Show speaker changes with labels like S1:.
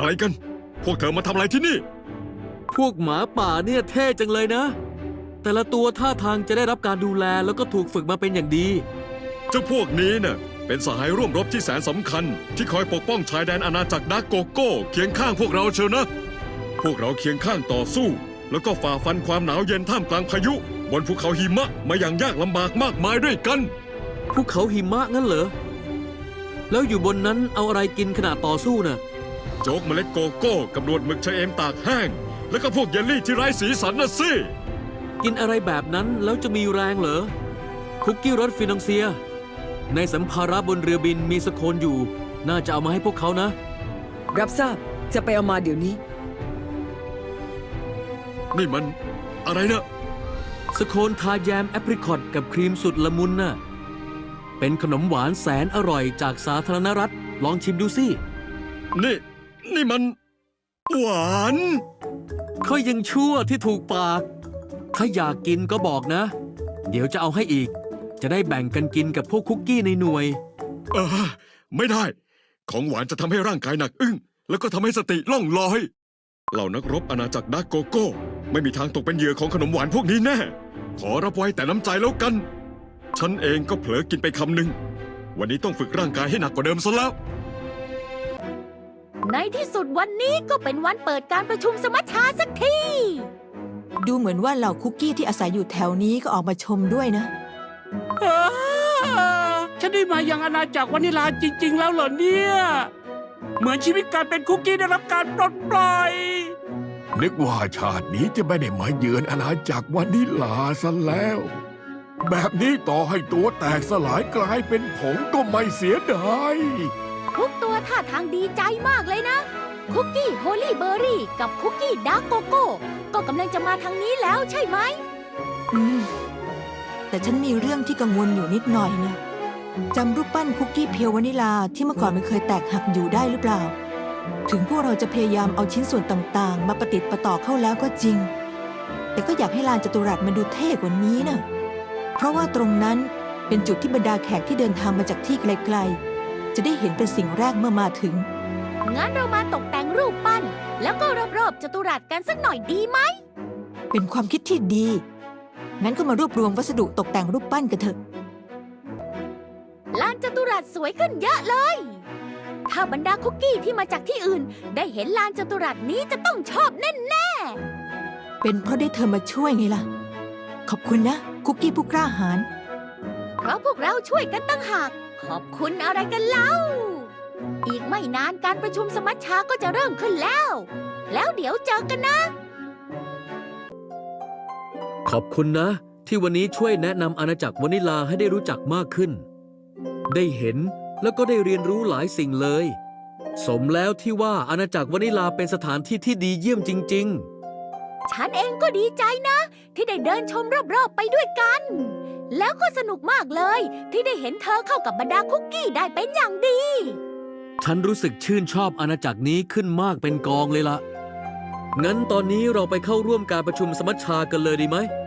S1: อะไรกันพวกเธอมาทำอะไรที่นี่
S2: พวกหมาป่าเนี่ยเท่จังเลยนะ แต่ละตัวท่าทางจะได้รับการดูแลแล้วก็ถูกฝึกมาเป็นอย่างดี
S1: เจ้าพวกนี้น่ะเป็นสหายร่วมรบที่แสนสำคัญที่คอยปกป้องชายแดนอาณาจักรดาร์กโกโก้เคียงข้างพวกเราเชียวนะ พวกเราเคียงข้างต่อสู้แล้วก็ฝ่าฟันความหนาวเย็นท่ามกลางพายุบนภูเขาหิมะมาอย่างยากลำบากมากมายด้วยกัน
S2: ภูเขาหิมะงั้นเหรอ แล้วอยู่บนนั้นเอาอะไรกินขณะต่อสู้น่ะ
S1: โจ๊กเมล็ดโกโก้กับหนวดหมึกชะเอมตากแห้งแล้วก็พวกเยลลี่ที่ไร้สีสันน่ะสิ
S2: กินอะไรแบบนั้นแล้วจะมีแรงเหรอ คุกกี้รสฟินองเซีย ในสัมภาระบนเรือบินมีสโคนอยู่ น่าจะเอามาให้พวกเขานะ
S3: รับทราบจะไปเอามาเดี๋ยวนี้
S1: นี่มันอะไรนะ
S2: สโคนทาแยมแอปริคอตกับครีมสุดละมุนน่ะ เป็นขนมหวานแสนอร่อยจากสาธารณรัฐ ลองชิมดูสิ
S1: นี่มันหวาน
S2: เขายังชั่วที่ถูกปาก ถ้าอยากกินก็บอกนะ เดี๋ยวจะเอาให้อีก จะได้แบ่งกันกินกับพวกคุกกี้ในหน่วย
S1: ไม่ได้ ของหวานจะทำให้ร่างกายหนักอึ้งแล้วก็ทำให้สติล่องลอยเหล่านักรบอาณาจักรดาร์กโกโก้ไม่มีทางตกเป็นเหยื่อของขนมหวานพวกนี้แน่ ขอรับไว้แต่น้ำใจแล้วกัน ฉันเองก็เผลอกินไปคำหนึ่งวันนี้ต้องฝึกร่างกายให้หนักกว่าเดิมซะแล้ว
S4: ในที่สุดวันนี้ก็เป็นวันเปิดการประชุมสมัชชาสักที
S5: ดูเหมือนว่าเหล่าคุกกี้ที่อาศัยอยู่แถวนี้ก็ออกมาชมด้วยนะ
S6: ฉันได้มายังอาณาจักรวานิลาจริง ๆ แล้วเหรอเนี่ย เหมือนชีวิตการเป็นคุกกี้ได้รับการปลดปล่อย
S7: นึกว่าชาตินี้จะไม่ได้มาเยือนอาณาจักรวานิลาซะแล้ว แบบนี้ต่อให้ตัวแตกสลายกลายเป็นผงก็ไม่เสียดาย
S4: ทุกตัวท่าทางดีใจมากเลยนะ คุกกี้โฮลี่เบอร์รี่กับคุกกี้ดาร์กโกโก้ก็กำลังจะมาทางนี้แล้วใช่ไหม
S5: แต่ฉันมีเรื่องที่กังวลอยู่นิดหน่อยนะจำรูปปั้นคุกกี้เพียววานิลาที่เมื่อก่อนมันเคยแตกหักอยู่ได้หรือเปล่า ถึงพวกเราจะพยายามเอาชิ้นส่วนต่างๆ มาประติดประต่อเข้าแล้วก็จริง แต่ก็อยากให้ลานจัตุรัสมันดูเท่กว่านี้นะเพราะว่าตรงนั้นเป็นจุดที่บรรดาแขกที่เดินทางมาจากที่ไกลๆจะได้เห็นเป็นสิ่งแรกเมื่อมาถึง
S4: งั้นเรามาตกแต่งรูปปั้น แล้วก็รอบๆจัตุรัสกันสักหน่อยดีไหม
S5: เป็นความคิดที่ดี งั้นก็มารวบรวมวัสดุตกแต่งรูปปั้นกันเถอะ
S4: ลานจัตุรัสสวยขึ้นเยอะเลย ถ้าบรรดาคุกกี้ที่มาจากที่อื่น ได้เห็นลานจัตุรัสนี้จะต้องชอบแน่
S5: เป็นเพราะได้เธอมาช่วยไงล่ะ ขอบคุณนะ คุกกี้ผู้กล้าหาญ
S4: ๆ เพราะพวกเราช่วยกันตั้งหาก ขอบคุณอะไรกันเล่า อีกไม่นานการประชุมสมัชชาก็จะเริ่มขึ้นแล้ว แล้วเดี๋ยวเจอกันนะ
S2: ขอบคุณนะ ที่วันนี้ช่วยแนะนำอาณาจักรวานิลาให้ได้รู้จักมากขึ้น ได้เห็นแล้วก็ได้เรียนรู้หลายสิ่งเลย สมแล้วที่ว่าอาณาจักรวานิลาเป็นสถานที่ที่ดีเยี่ยมจริง
S4: ฉันเองก็ดีใจนะ ที่ได้เดินชมรอบๆไปด้วยกัน แล้วก็สนุกมากเลย ที่ได้เห็นเธอเข้ากับบรรดาคุกกี้ได้เป็นอย่างดี
S2: ๆ ฉันรู้สึกชื่นชอบอาณาจักรนี้ขึ้นมากเป็นกองเลยละงั้นตอนนี้เราไปเข้าร่วมการประชุมสมัชชากันเลยดีไหม